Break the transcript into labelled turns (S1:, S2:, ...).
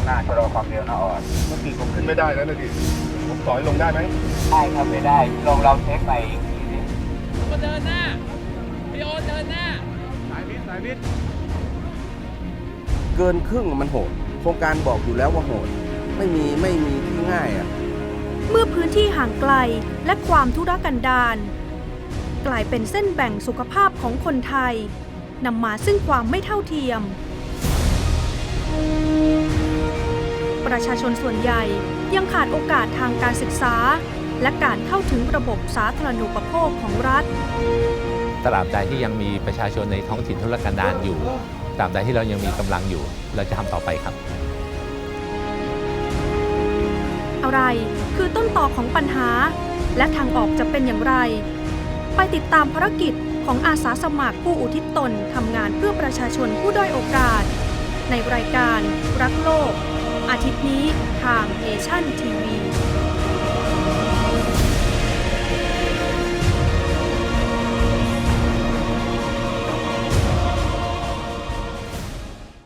S1: หน้าชะลอความเร็วนะออด
S2: เมื่อกี้ผมขึ้นไม่ได้แล้วนะดิผมต่อยลงได้ไหม
S1: ได้ครับไม่ได้ลองเราเช็คไปอีกทีนึง
S3: ก็เดินหน้าพี่โอเดินหน้า
S2: สายมิด
S4: เกินครึ่งมันโหดโครงการบอกอยู่แล้วว่าโหดไม่มีที่ง่ายอ่ะ
S5: เมื่อพื้นที่ห่างไกลและความทุรกันดารกลายเป็นเส้นแบ่งสุขภาพของคนไทยนำมาซึ่งความไม่เท่าเทียมประชาชนส่วนใหญ่ยังขาดโอกาสทางการศึกษาและการเข้าถึงระบบสาธารณูปโภคของรัฐ
S6: ตราบใดที่ยังมีประชาชนในท้องถิ่นทุรกันดารอยู่ตราบใดที่เรายังมีกำลังอยู่เราจะทำต่อไปครับ
S5: อะไรคือต้นตอของปัญหาและทางออกจะเป็นอย่างไรไปติดตามภารกิจของอาสาสมัครผู้อุทิศตนทำงานเพื่อประชาชนผู้ด้อยโอกาสในรายการรักโลกอาทิตย์นี้ทางเนชั่นทีวี